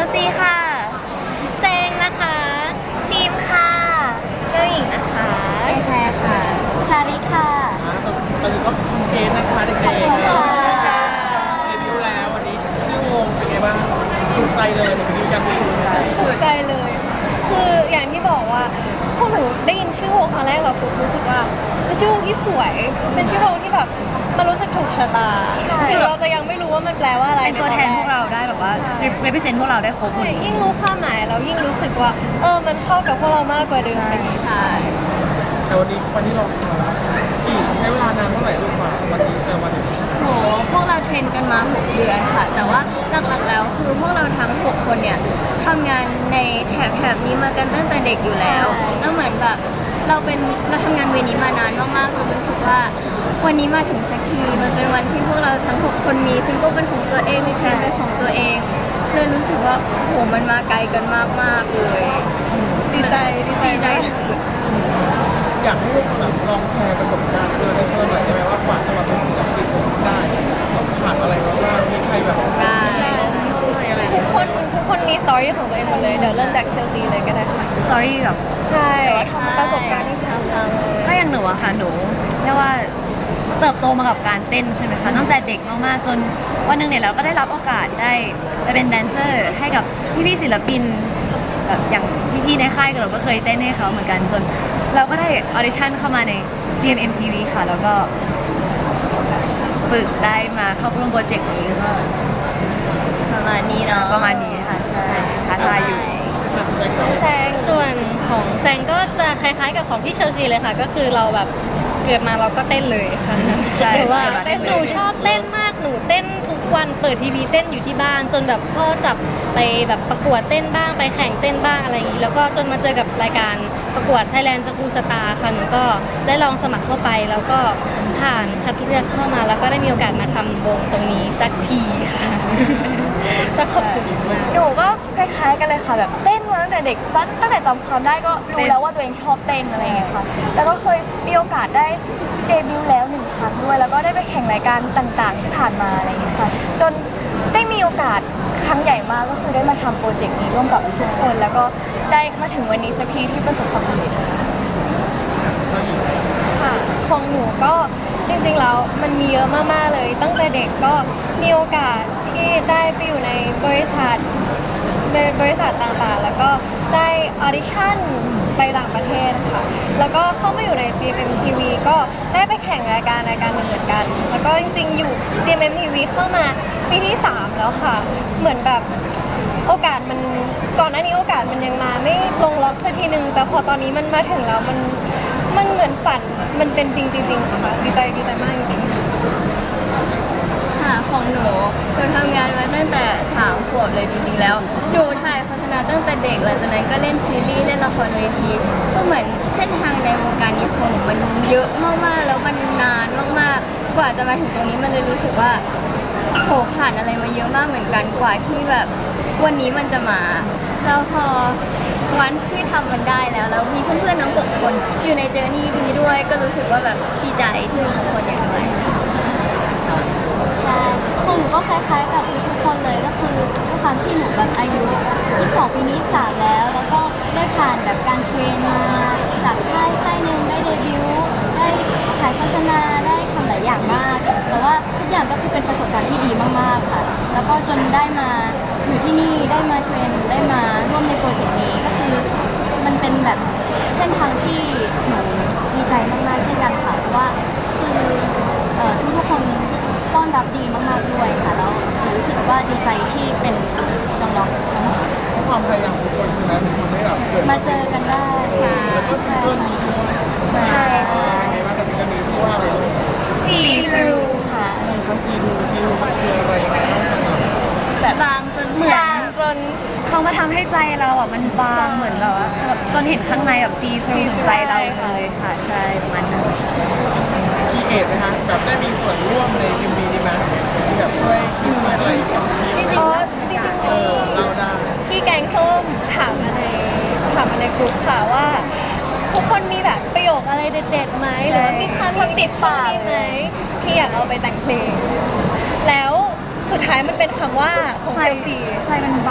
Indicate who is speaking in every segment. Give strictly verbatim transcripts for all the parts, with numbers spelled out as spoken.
Speaker 1: ลซีค่ะเซงนะคะทีมค่ะเจ้าหญิงนะคะเอแคร์ค่ะชาริค่ะ
Speaker 2: ตอนนี้ก็คุณเกณฑ์นะคะเด็กๆเดบิวต์แล้ววันนี้ชื่อวงเป็นไงบ้างถูกใจเลยเดบิวต์กัน
Speaker 3: สุดใจเลย คืออย่างที่บอกว่าพวกหนูได้ยินชื่อวงครั้งแรกเราปุ๊บรู้สึกว่าเป็นชื่อวงที่สวย เป็นชื่อวงที่แบบมันรู้สึกถูกชะตาถึงเราจะยังไม่รู้ว่ามันแปลว่าอะไร
Speaker 1: เป็นตัวแทนพวกเราได้แบบว่า represent พวกเราได้ครบหมด
Speaker 3: ยิ่งรู้ความหมายเรายิ่งรู้สึกว่าเออมันเข้ากับพวกเรามากกว่าเดิมใช่
Speaker 2: แต่วันนี้วันที่เราขี่ใช้เวลานานเท่าไหร่ลูกกว่าวันนี้เจอวันนี้
Speaker 4: โหพวกเราเทรนกันมาหกเดือนค่ะ แต่ว่าหลักๆแล้วคือพวกเราทั้งหกคนเนี่ยทำงานในแถบแถบนี้มากันตั้งแต่เด็กอยู่แล้วแล้วเหมือนแบบเราเป็นเราทำงานเวนี้มานานมากๆเรารู้สึกว่าวันนี้มาถึงสักทีมันเป็นวันที่พวกเราทั้งหกคนมีซิงเกิลเป็นของตัวเองมีเพลงเป็นของตัวเองเลยรู้สึกว่าโหมันมาไกลกันมากๆเลย
Speaker 3: ดีใจดีใจ
Speaker 4: สุด
Speaker 2: อยากให้ลูกแบบลองแชร์ประสบการณ์เพื่อนให้เพื่อนหน่อยได้ไหมว่ากว่าจะมาเป็นศิลปินได้ต้องผ่านอะไรมาบ้างมีใครแบบ
Speaker 4: ได้
Speaker 2: อะไร
Speaker 3: ทุกคนทุกคนมีสตอรี่ของตัวเองหมดเลยเดี๋ยวเริ่มจากเชลซีเลยก็ได้ค่ะ
Speaker 1: สตอรี่แบบ
Speaker 3: ใช่ประสบการณ์ที่ทำ
Speaker 1: ถ้าอย่างหนูอะค่ะหนูเรียกว่าเติบโตมากับการเต้นใช่ไหมคะตั้งแต่เด็กมากๆจนวันหนึ่งเนี่ยเราก็ได้รับโอกาสได้ไปเป็นแดนเซอร์ให้กับพี่ๆศิลปินแบบอย่างพี่ๆในค่ายเราก็เคยเต้นให้เขาเหมือนกันจนเราก็ได้ออดิชั่นเข้ามาใน จี เอ็ม เอ็ม ที วี ค่ะแล้วก็ฝึกได้มาเข้าร่วมโปรเจกต์นี้ก็
Speaker 4: ประมาณนี้เนาะ
Speaker 1: ประมาณนี้ค่ะใช่ท้าทายอยู่
Speaker 3: แซง
Speaker 5: ส่วนของแซงก็จะคล้ายๆกับของพี่เชลซีเลยค่ะก็คือเราแบบเกิดมาเราก็เต้นเลยค่ะหรือว่าหนูชอบเต้นมากหนูเต้นทุกวันเปิดทีวีเต้นอยู่ที่บ้านจนแบบพ่อจับไปแบบประกวดเต้นบ้างไปแข่งเต้นบ้างอะไรอย่างนี้แล้วก็จนมาเจอกับรายการประกวด Thailand School Star ค่ะหนูก็ได้ลองสมัครเข้าไปแล้วก็ผ่านคัดเลือกเข้ามาแล้วก็ได้มีโอกาสมาทำวงตรงนี้สักทีค่ะก็ขอบคุณมาก
Speaker 1: หนูก็คล้ายๆกันเลยค่ะแบบเต้นมาตั้งแต่เด็กตั้งแต่จำความได้ก็รู้แล้วว่าตัวเองชอบเต้นอะไรอย่างเงี้ยค่ะแล้วก็เคยมีโอกาสได้เดบิวต์แล้วหนึ่งครั้งด้วยแล้วก็ได้ไปแข่งรายการต่างๆที่ผ่านมาอะไรอย่างเงี้ยค่ะจนได้มีโอกาสครั้งใหญ่มากก็คือได้มาทำโปรเจกต์นี้ร่วมกับทุกคนแล้วก็ได้มาถึงวันนี้สักทีที่ประสบความสำเร็จ
Speaker 3: ค่ะของหนูก็จริงๆแล้วมันมีเยอะมากๆเลยตั้งแต่เด็กก็มีโอกาสที่ได้ไปอยู่ในบริษัทบริษัทต่างๆแล้วก็ได้ออดิชั่นไปต่างประเทศค่ะแล้วก็เข้ามาอยู่ใน จี เอ็ม เอ็ม ที วี ก็ได้ไปแข่งรายการรายการหนึ่งเหมือนกันแล้วก็จริงๆอยู่ จี เอ็ม เอ็ม ที วี เข้ามาปีที่สามแล้วค่ะเหมือนแบบโอกาสมันก่อนหน้านี้โอกาสมันยังมาไม่ลงล็อกสักทีนึงแต่พอตอนนี้มันมาถึงแล้วมันมันเหมือนฝันมันเป็นจริงจริงๆค่ะดีใจดีใจมากจริง
Speaker 4: ๆค่ะของหนูหนูทำงานมาตั้งแต่สามขวบเลยจริงๆแล้วหนูถ่ายโฆษณาตั้งแต่เด็กหลังจากนั้นก็เล่นซีรีส์เล่นละครเวทีก็เหมือนเส้นทางในวงการนี้ของหนูมันเยอะมากๆแล้วมันนานมากๆกว่าจะมาถึงตรงนี้มันเลยรู้สึกว่าโหผ่านอะไรมาเยอะมากเหมือนกันกว่าที่แบบวันนี้มันจะมาแล้วพอวันที่ทำมันได้แล้วแล้วมีเพื่อนๆน้องหกคนอยู่ในเจอร์นี่นี้ด้วยก็รู้สึกว่าแบบดีใจที่มีคนอย่างด้วย
Speaker 6: ของหนูก็คล้ายๆกับทุกคนเลยก็คือด้วยความที่หนูแบบอายุยี่สิบสองปีนี้สามแล้วแล้วก็ได้ผ่านแบบการเทรนมาจากค่ายค่ายหนึ่งได้เดบิวต์ได้ถ่ายโฆษณาได้ทำหลายอย่างมากแต่ว่าทุกอย่างก็คือเป็นประสบการณ์ที่ดีมากๆค่ะแล้วก็จนได้มาอยู่ที่นี่ได้มาเทรนได้มาร่วมในโปรเจกต์นี้ก็คือมันเป็นแบบเส้นทางที่หนูดีใจมากๆเช่นกันค่ะเพราะว่าคือทุกๆคนต้อนรับดีมากๆด้วยค่ะแล้วรู้สึกว่าดีใจที่เป็นน้องๆทั้งหมด
Speaker 2: ความพยายามของคนใช่ไหมมันทำให้แบบเกิด
Speaker 6: มาเจอกันได้
Speaker 2: ใช่แล้วก็ซิงเกิลนี้ด้วย
Speaker 6: ใช่
Speaker 2: ค่ะยังไงบ้างกับซิงเกิลนี้ชื่อว่าอะไรลูก
Speaker 6: See Through ค่ะ
Speaker 2: เขาซีดูซีดูมันคืออะไรยังไงบ้างสำหรับ
Speaker 4: แบบบางจน
Speaker 1: เหมือนจนเขามาทำให้ใจเราอ่ะมันบางเหมือนแบบว่าจนเห็นข้างในแบบซีทรูถึงใจเราเลยค่ะใช่ประมาณนั้น
Speaker 2: คีเอทไหมคะแบบได้มีส่วนร่วมในทีมบีนี้ไหมที่แบบช่วยคิดช่วยอะไร
Speaker 3: จริงๆอ๋อจริงๆ
Speaker 2: เออเราได้
Speaker 3: พี่แกงส้มถามมาในถามมาในกลุ่มค่ะว่าทุกคนมีแบบประโยคอะไรเด็ดๆไหมหรือว่ามีคำติดปากไหมที่อยากเอาไปแต่งเพลงแล้วสุดท้ายมันเป็นคำว่าของเชลซี
Speaker 1: ใจมันบาง
Speaker 3: ใจ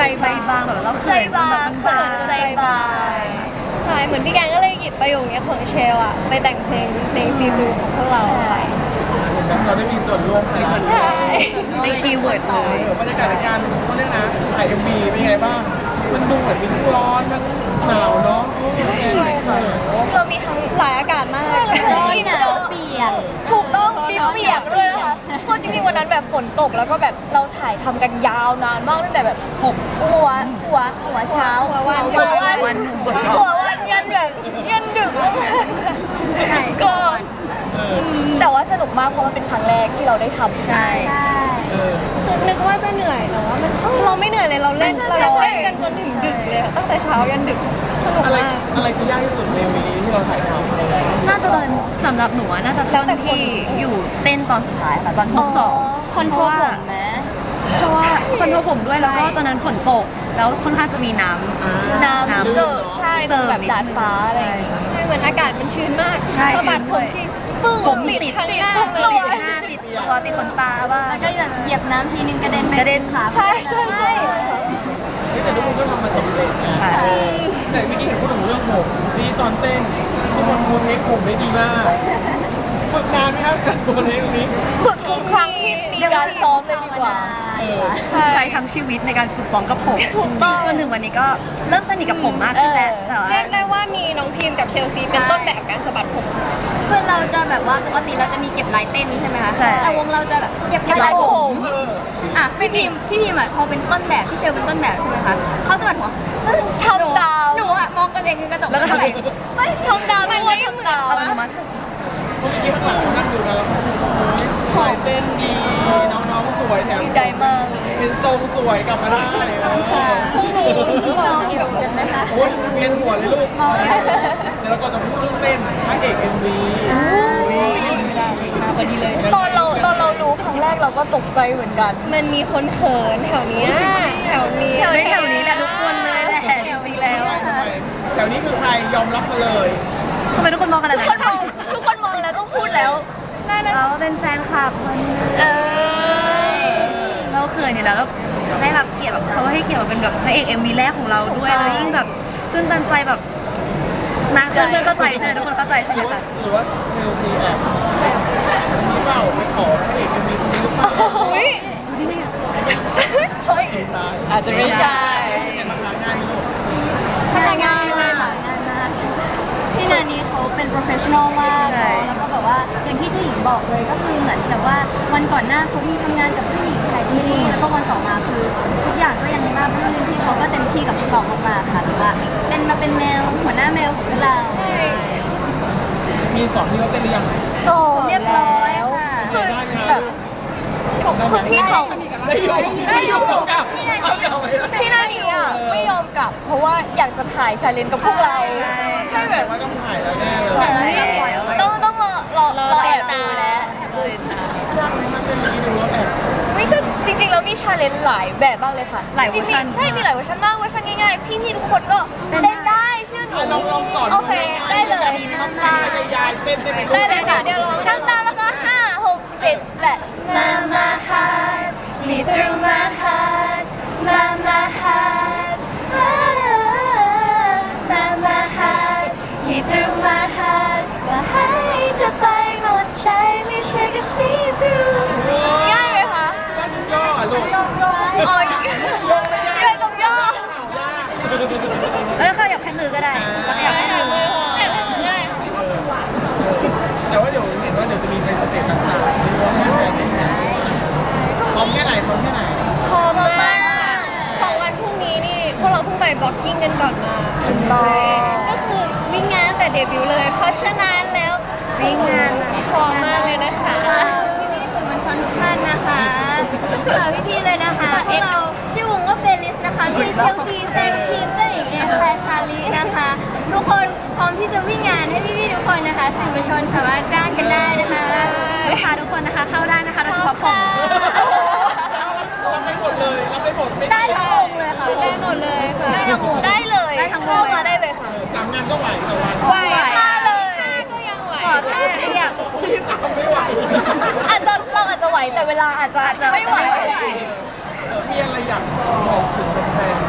Speaker 1: ใจบางแบบเราเขิน
Speaker 5: ใจบาง
Speaker 1: จนแบบมัน
Speaker 5: ค่ะ
Speaker 1: บาง
Speaker 5: ใจบาง
Speaker 3: ใช่เหมือนพี่แกงก็เลยหยิบประโยคนี้ของเชลอะไปแต่งเพลงเพลงซีดูของพวกเราค่ะ
Speaker 2: เราได้มีส่วนร่วมในส่วน
Speaker 3: ใช่
Speaker 1: ในคีย์เวิร์ดเลย
Speaker 2: บรรยากาศในการเขาเรียกนะถ่ายเอ็มวีเป็นไงบ้าง มันดูเหมือนมีทั้งร้อนทั้งหนาวเนาะใช่ใช่ค่ะ
Speaker 5: เรามีทั้ง
Speaker 3: หลายอากาศมาก
Speaker 6: ร้อนหนาวเปียก
Speaker 5: ถูกต้องมีเปียกเลยค่ะเพราะจริงๆวันนั้นแบบฝนตกแล้วก็แบบเราถ่ายทำกันยาวนานมากตั้งแต่แบบหกหัวหัวหัวเช้า
Speaker 3: หัววัน
Speaker 5: หัววัน
Speaker 1: วัน
Speaker 5: หัววันยันแบบยันดึกมากๆ
Speaker 4: ใช่
Speaker 5: ก็แต่ว่าสนุกมากเพราะมันเป็นครั้งแรกที่เราได้ทำ
Speaker 4: ใช่
Speaker 2: เออ
Speaker 3: คือนึกว่าจะเหนื่อยแต่ว่ามันเราไม่เหนื่อยเลยเราเล่นเราเล่นกันจนถึงดึกเลยอะตั้งแต่เช้ายันดึกสนุก
Speaker 2: อะไร
Speaker 3: มาก
Speaker 2: อะไรคือยากที่สุดในเอ็มวีนี้ที่เราถ่ายทำเลย
Speaker 1: น่าจะตอนสำหรับหนูอะน่าจะตอนที่อยู่เต้นตอนสุดท้ายค่ะตอนฮุกสอง
Speaker 6: คนโทรผมไหม
Speaker 1: เพราะว่าคนโทรผมด้วยแล้วก็ตอนนั้นฝนตก แล้วค่อนข้างจะมีน้ำ
Speaker 5: น้ำเจอใช่
Speaker 1: เจอ
Speaker 5: แบบดาดฟ้าอะไรอย่างเงี้ย
Speaker 3: ใช่เหมือนอากาศมันชื้นมาก
Speaker 1: ใช่
Speaker 3: สะบัด
Speaker 1: ชื้
Speaker 3: ผ
Speaker 1: นด้วย
Speaker 3: มที่ปึ้ง
Speaker 1: ผม
Speaker 3: ติ
Speaker 1: ติ
Speaker 3: ด
Speaker 1: ด
Speaker 3: ทั้ง
Speaker 1: ติด
Speaker 3: หน้า
Speaker 1: ติด
Speaker 3: เล
Speaker 1: ตั
Speaker 3: ยว
Speaker 1: หน้าติดตัวติดขนตาบ้าง
Speaker 6: แล้วก็แบบเหยียบน้ำทีนึงกระเด็นไป
Speaker 1: กระเด็น
Speaker 6: ขา
Speaker 5: ใช่ใช่ใช่
Speaker 2: นี่แต่ทุกคนก็ทำมันสำเร็จนะ
Speaker 1: ค่ะ
Speaker 2: เออแต่เมื่อกี้เห็นพูดถึงเรื่องผมนี่ตอนเต้นทุกคนโพเทคผมได้ดีมากฝึกนานไหมครับการโพเทคตรงนี้
Speaker 5: ฝึกทุกครั้งที่มีการซ้อมเลยดีกว่า
Speaker 2: เออ
Speaker 1: ใช้ทั้งชีวิตในการฝึกซ้อมกับผมถูกต้องจนถึงวันนี้ก็เริ่มสนิทกับผมมากขึ้นแล้วแต่ว่า
Speaker 3: เรียกได้ว่ามีน้องพิมกับเชลซีเป็นต้นแบบการสะบัดผม
Speaker 4: คือเราจะแบบว่าปกติเราจะมีเก็บลายเต้นใช่ไหมคะ
Speaker 1: ใช่
Speaker 4: แต่วงเราจะแบบเก็บ
Speaker 5: เก็บ
Speaker 4: ลา
Speaker 5: ลาย ย
Speaker 4: ผ
Speaker 5: ผม ม
Speaker 4: อ่ะพี่พิมพี่พิมอ่ะพอเป็นต้นแบบพี่เชลเป็นต้นแบบใช่ไหมคะเขาจะแบบหัวปึ้ง
Speaker 5: ทำตาม
Speaker 4: หนูอ่ะมองกันเองในกระจก
Speaker 1: แล้วก็ทำเอง
Speaker 4: เฮ้ย
Speaker 5: ทำตามด้วยทำตาม
Speaker 1: อัตโนมัติ
Speaker 2: เมื่อกี้ข้างหลังเรานั่งดูกันแล้วเขาชมว่าโอ้ยลายเต้นดีน้องๆสวยแถม
Speaker 5: ดีใจมาก
Speaker 2: เป็นทรงสวยกลับมาได้เออ
Speaker 3: พวกหนูต่อสู้กับผมไหมคะ
Speaker 2: โอ้ยเวียนหัวเลยลูกเดี๋ยวเราก็จะพูดเรื่องเต้นพระเอกเอ็มวี
Speaker 5: มาพอดีเลย ตอนเราตอนเราดูครั้งแรกเราก็ตกใจเหมือนกัน
Speaker 3: มันมีคนเขินแถวเนี้ยแถวนี้
Speaker 1: ไม่แถวนี้แหละทุกคนเลยแหละจริงๆแล้ว
Speaker 2: แถวนี้คือใครยอมรับมาเลย
Speaker 1: ทำไมทุกคนมองกัน
Speaker 5: ทุ
Speaker 1: แบ
Speaker 5: ก
Speaker 1: บ
Speaker 5: คนมองทุกคนมองแล้วต้องพูดแล้ว
Speaker 1: เราเป็นแฟนคลับคนนึง
Speaker 5: เออ
Speaker 1: เราเขินอยู่แล้วแล้วได้รับเกียรติแบบเขาให้เกียรติมาเป็นแบบพระเอกเอ็มวีแรกของเราด้วยแล้วยิ่งแบบตื้นตันใจแบบนะเพื่อนๆเข้าใจใช่ไหมทุกคนเข้าใจใช่
Speaker 2: ห
Speaker 1: ไหม
Speaker 2: รือว่า
Speaker 1: คะ
Speaker 2: หรือว่าเชลซีแอบอันนี้เปล่าไปขอพระเอกเอ็มวีคนนี้หรือเปล่า
Speaker 5: อุ้ย
Speaker 2: เฮ้ย
Speaker 5: อาจจะไม่ใช่
Speaker 2: เห็นมาค้างานนี่ลูก
Speaker 6: ทำงานมากงานมากพี่นานี้เขาเป็น professional มากเนอะแล้วก็แบบว่าอย่างที่เจ้าหญิงบอกเลยก็คือเหมือนกับว่าวันก่อนหน้าเขามีทำงานกับผู้หญิงถ่ายซีรีส์แล้วก็วันต่อมาคือทุกอย่างก็ยังราบรื่นที่เขาก็เต็มที่กับพวกเรามากๆค่ะแล้วว่าเป็นมาเป็นแมวหัวหน้าแมวของพวกเรา
Speaker 2: มีสอนที่เขาเต้นหรือยัง
Speaker 5: โสด
Speaker 4: เรียบร้อยค่ะ
Speaker 2: ได้ไหม
Speaker 5: แบบคือพี่เขา
Speaker 2: ได้อยู่ได้อยู่เอากลับเอากลับไป
Speaker 5: พี่นาดีอ่ะไม่ยอมกลับ เพราะว่าอยากจะถ่ายชาเลนจ์กับพวกเราใช่แบ
Speaker 2: แต่
Speaker 5: บ
Speaker 2: ว่าต้องถ่ายแล้วแน่เลย
Speaker 4: แต่เราเรียบร้อยแล้ว
Speaker 5: ต้องต้องรอรอรอแอบดูแล้ว
Speaker 2: ยากไหมครับเต้นเมื่อกี้ดูแล้วแอบ
Speaker 5: ไม่ก็จริงๆแล้วมีชาเลนจ์หลายแบบมากเลยค่ะ
Speaker 1: หลายเวอร์ชัน
Speaker 5: จงๆใช่มีหลายเวอร์ชันมากเวอร์ชันง่ายๆพี่ๆทุกคนก็เต้นได้เชื่อหนู
Speaker 2: ลองลองสอน
Speaker 5: โอเคได้เลย
Speaker 2: ทำท่ายายเต้นได้ไหมลูก
Speaker 5: ได้เลยค่ะเดี๋ยวลองทำตามแล้วก็ห้าหกเจ็ดแปด Mama heart see through my heart Mama heart Mama heart see through my heart ว่าให้จะไปหมดใจไม่ใช่แค่ see through ง่ายไหมคะ
Speaker 2: ย่อลูก
Speaker 5: อ๋อง่ายตรงย่อ
Speaker 1: แล้วขยับแค่มือก็ได้แล้วขยับแค่มือ
Speaker 5: ง่าย
Speaker 2: แต่ว่าเดี๋ยวเห็นว่าเดี๋ยวจะมีไปสเตจต่างๆพร้อมแค่ไหนพร้อมแค่ไหนพร้อมแค่ไหน
Speaker 3: พร้อมมากของวันพรุ่งนี้นี่พวกเราเพิ่งไปบล็อกกิ้งกันก่อนมาก็คือวิ่งงานแต่เดบิวต์เลย เพราะฉะนั้นแล้ว
Speaker 1: วิ่งงาน
Speaker 3: พร้อมมากเลยนะคะ
Speaker 4: พี่พี่ๆสื่อมวลชนทุกท่านนะคะฝากพี่ๆเลยนะคะพวกเราชื่อวงว่าเฟลิสนะคะมีเชลซีเซมทีมเจ้าหญิงเอแคลร์ชาลีนะคะ ทุกคนพร้อมที่จะวิ่งงานให้พี่ๆทุกคนนะคะสื่อมวลชนสามารถจ้างกันได้นะคะ
Speaker 1: ลูกค้าทุกคนนะคะเข้าได้นะคะโดยเฉพาะผม
Speaker 2: รับได้หมดเลยรับได้หมดไม่
Speaker 4: ได้ทั้งวงเลยค่ะ
Speaker 3: ได้หมดเลยค่ะ
Speaker 4: ได้ทั้งวง
Speaker 5: ได้เลย
Speaker 1: ได้ทั้งวง
Speaker 5: เข้ามาได้เลยค่ะ
Speaker 2: สามงานก็ไหวต่อวัน
Speaker 5: ไหวค่ะเลย
Speaker 3: ก็ยังไหว
Speaker 1: ขอแค่อยาก
Speaker 2: พี่ตามไม่ไหว
Speaker 5: อาจจะเราอาจจะไหวแต่เวลาอาจจะอาจจะไม่ไหว
Speaker 2: เออมีอะไรอยากบอกถึงแฟน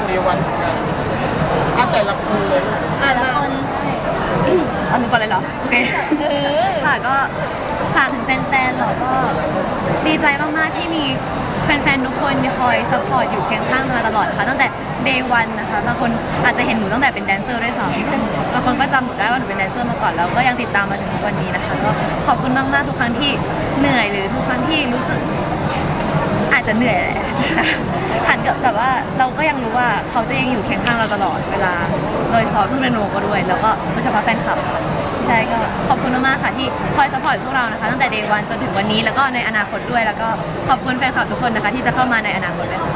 Speaker 2: เดวันเหมือนกันอ่ะแต่ละคนเลย
Speaker 5: อ่ะ
Speaker 4: แต่ละ
Speaker 5: มา
Speaker 4: คน
Speaker 1: เอาหนูก่อนเลยเหรอ โอเคค่ะก็ฝากถึงแฟนๆเหรอก็ดีใจมากๆที่มีแฟนๆทุกคนคอยซัพพอร์ตอยู่เคียงข้างมาตลอดค่ะตั้งแต่ day one นะคะบางคนอาจจะเห็นหนูตั้งแต่เป็นแดนเซอร์ด้วยซ้ำบางคนก็จำหนูได้ว่าหนูเป็นแดนเซอร์มาก่อนแล้วก็ยังติดตามมาถึงทุกวันนี้นะคะก็ขอบคุณมากๆทุกครั้งที่เหนื่อยหรือทุกครั้งที่รู้สึก อาจจะเหนื่อยแหละ หันกับแบบว่าเราก็ยังรู้ว่าเขาจะยังอยู่เคียงข้างเราตลอดเวลา โดยเฉพาะพี่เรโนก็ด้วย แล้วก็โดยเฉพาะแฟนคลับค่ะใช่ก็ขอบคุณมากๆค่ะที่คอยสปอร์ตพวกเรานะคะตั้งแต่เดย์วันจนถึงวันนี้แล้วก็ในอนาคตด้วยแล้วก็ขอบคุณแฟนคลับทุกคนนะคะที่จะเข้ามาในอนาคตด้วยค่ะ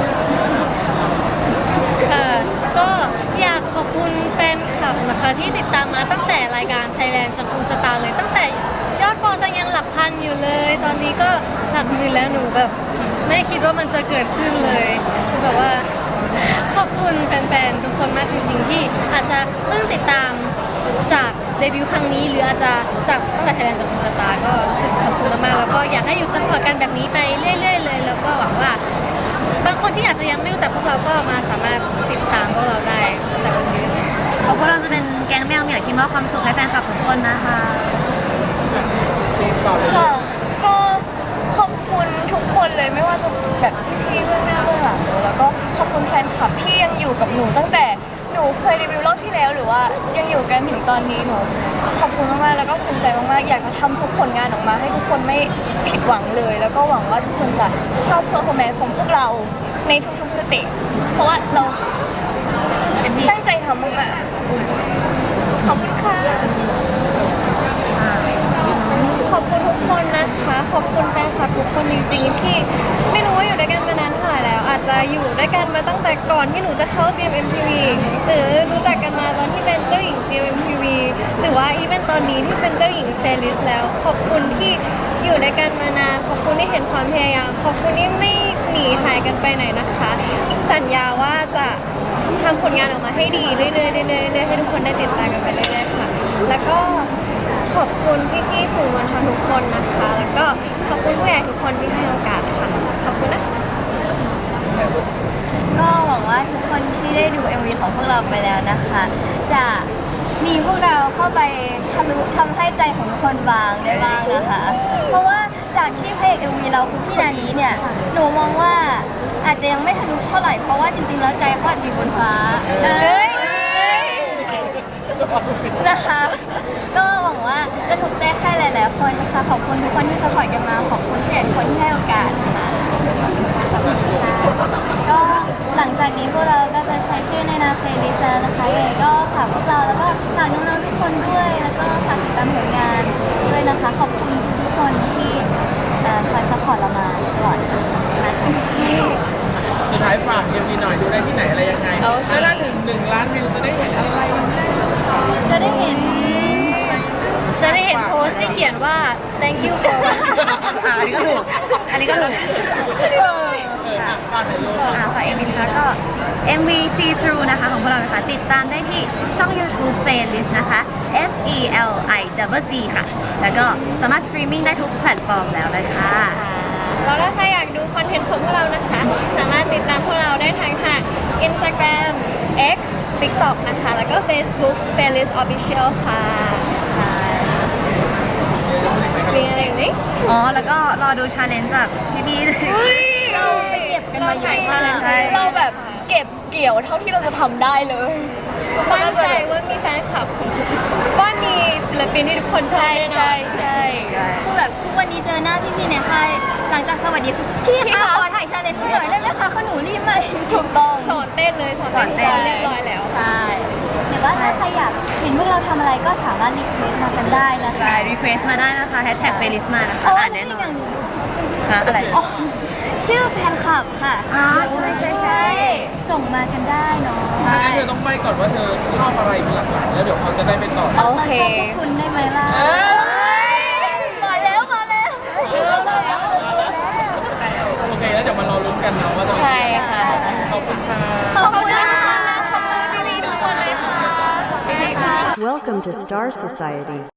Speaker 5: ค่ะก็อยากขอบคุณแฟนคลับนะคะที่ติดตามมาตั้งแต่รายการ Thailand School Star เลยตั้งแต่ยอดฟอลยังหลักพันอยู่เลย ตอนนี้ก็หลักหมื่นแล้วหนูแบบไม่คิดว่ามันจะเกิดขึ้นเลยคือแบบว่าขอบคุณแฟนๆทุกคนมากจริงๆที่อาจจะเพิ่งติดตามจากเดบิวต์ครั้งนี้หรืออาจจะจากตั้งแต่ Thailand School Star ก็รู้สึกขอบคุณมากๆแล้วก็อยากให้อยู่ซัพพอร์ตกันแบบนี้ไปเรื่อยๆเลยแล้วก็หวังว่า บางคนที่อาจจะยังไม่รู้จักพวกเราก็มาสามารถติดตามพวกเราได้แต่วันนี้
Speaker 1: เพราะพวกเราจะเป็นแก๊งแมวเหมียวที่มอบความสุขให้แฟนคลับทุกคนนะคะ
Speaker 2: ต่อเลย
Speaker 3: ค่ะก็ขอบคุณทุกคนเลยไม่ว่าจะแบบพี่ๆเบื้องหน้าเบื้องหลังแล้วก็ขอบคุณแฟนคลับที่ยังอยู่กับหนูตั้งแต่หนูเคยรีวิวรอบที่แล้วหรือว่ายังอยู่กันถึงตอนนี้หนูขอบคุณมากๆแล้วก็ซึ้งใจมากๆอยากจะทำทุกผลงานออกมาให้ทุกคนไม่ผิดหวังเลย แล้วก็หวังว่าทุกคนจะชอบเพอร์ฟอร์แมนซ์ของพวกเราในทุกๆสเตจเพราะว่าเราตั้งใจทำมากๆขอบคุณค่ะ ขอบคุณทุกคนนะคะ ขอบคุณแฟนคลับทุกคนจริงๆที่ไม่รู้ว่าอยู่ด้วยกันมานานเท่าไหร่แล้ว อาจจะอยู่ด้วยกันมาตั้งแต่ก่อนที่หนูจะเข้า จี เอ็ม เอ็ม ที วี หรือรู้จักกันมาตอนที่เป็นเจ้าหญิง จี เอ็ม เอ็ม ที วี หรือว่าอีเวนต์ตอนนี้ที่เป็นเจ้าหญิงเพลย์ลิสต์แล้ว ขอบคุณที่อยู่ด้วยกันมานาน ขอบคุณที่เห็นความพยายาม ขอบคุณที่ไม่หนีหายกันไปไหนนะคะ สัญญาว่าจะทำผลงานออกมาให้ดีเรื่อยๆเรื่อยๆเรื่อยๆให้ทุกคนได้ติดตามกันไปเรื่อยๆค่ะ แล้วก็ ขอบคุณพี่ๆสื่อมวลชนทุกคนนะคะ แล้วก็ขอบคุณผู้ใหญ่ทุกคนที่ให้โอกาสค่ะ ขอบคุณนะ
Speaker 4: ก็หวังว่าทุกคนที่ได้ดู เอ็ม วี ของพวกเราไปแล้วนะคะ จะมีพวกเราเข้าไปทะลุทำให้ใจของทุกคนบางได้บ้างนะคะ เพราะว่าจากที่พระเอก เอ็ม วี เราคือพี่นานี้เนี่ยหนูมองว่าอาจจะยังไม่ทะลุเท่าไหร่เพราะว่าจริงๆแล้วใจเขาอาจจะอยู่บนฟ้าเอ้ยนะคะ ก็หวังว่าจะถูกใจใครหลายๆคนนะคะ ขอบคุณทุกคนที่สปอร์ตกันมา ขอบคุณผู้ใหญ่ทุกคนที่ให้โอกาสค่ะก็หลังจากนี้พวกเราก็จะใช้ชื่อในนามเพลย์ลิสต์แล้วนะคะยังไงก็ฝากพวกเราแล้วก็ฝากน้องๆทุกคนด้วย แล้วก็ฝากติดตามผลงานด้วยนะคะ ขอบคุณทุกคนที่เอ่อคอยซัพพอร์ตเรามาตลอดค่ะ
Speaker 2: สุดท้ายฝากเอ็มวีหน่อยดูได้ที่ไหนอะไรยังไงแล้วถ้าถึงหนึ่งล้านวิวจะได้เห็นอะไรแน่
Speaker 4: จะได้เห็น
Speaker 5: จะได้เห็นโพสต์ที่เขียนว่า thank you for watching
Speaker 1: อ่าอันนี้ก็ถูก อันนี้ก็ถูก
Speaker 2: เอออ่ะฝากหน่อยลูก
Speaker 1: อ่าฝากเอ็มวีนะคะก็ เอ็ม วี See Through นะคะของพวกเรานะคะติดตามได้ที่ช่อง YouTube Playlist นะคะ F E L I Z Z ค่ะ แล้วก็สามารถสตรีมมิ่งได้ทุกแพลตฟอร์มแล้วเลยค่ะ
Speaker 3: แล้วถ้าใครอยากดูคอนเทนต์ของพวกเรานะคะ สามารถติดตามพวกเราได้ทางทาง Instagram X TikTok นะคะ แล้วก็ Facebook Playlist Official ค่ะมีอะไรอีกไหม
Speaker 1: อ๋อ แล้วก็รอดูชาเลนจ์จากพี่ๆ
Speaker 4: เราไปเก็บกันมาเยอะมาก
Speaker 1: ใช่
Speaker 3: เราแบบเก็บเกี่ยวเท่าที่เราจะทำได้เลยมั่นใจว่ามีแฟนคลับว่ามีศิลปินที่ทุกคนชอบแน่นอน
Speaker 1: ใช่ใช่
Speaker 4: คือแบบทุกวันนี้เจอหน้าพี่ๆในค่ายหลังจากสวัสดีคือพี่
Speaker 3: พี่
Speaker 4: คะ
Speaker 3: คะ
Speaker 4: ขอถ่ายชาเลนจ์ด้วยหน่อยได้ไหมคะเขาหนูรีบมา
Speaker 3: ถูกต้องสอนเต้นเลยสอนเต้นสอนเรียบร้อยแล้ว
Speaker 4: ใช่
Speaker 6: หรือว่าถ้าใครอยากเห็นพวกเราทำอะไรก็สามารถรีเควสต์มากันได้นะคะ
Speaker 1: ใช่รีเควสมาได้นะคะแฮชแท็ก playlist มานะคะ
Speaker 4: อ๋อ
Speaker 1: อ่าน
Speaker 4: นี่
Speaker 1: แน่นอ
Speaker 4: อน ย่างหนึ่ง
Speaker 1: ฮะอะไร
Speaker 4: อ๋อชื่อแฟนคลับค่ะ
Speaker 1: อ๋อใช่ใช่ใช่
Speaker 6: ส่งมากันได้เนาะ
Speaker 4: ใช่
Speaker 2: งั้นเธอต้องไปก่อนว่าเธอชอบอะไรเป็นหลักๆแล้วเดี๋ยวเขาจะได้ไปต่อ
Speaker 6: เราชอบพวกคุณได้ไหมล่ะ
Speaker 3: มาแล้วมาแล้ว
Speaker 2: โอเคแล้วเดี๋ยวมารอลุ้นกันเนาะว่าจะ
Speaker 3: ใช่ค่ะ
Speaker 2: ขอบคุณค่ะ
Speaker 4: ขอบคุณนะคะ
Speaker 3: ขอบคุณพี่ๆทุกคนเลยค่ะ
Speaker 4: ใช่ค่ะ
Speaker 7: Welcome to Star Society.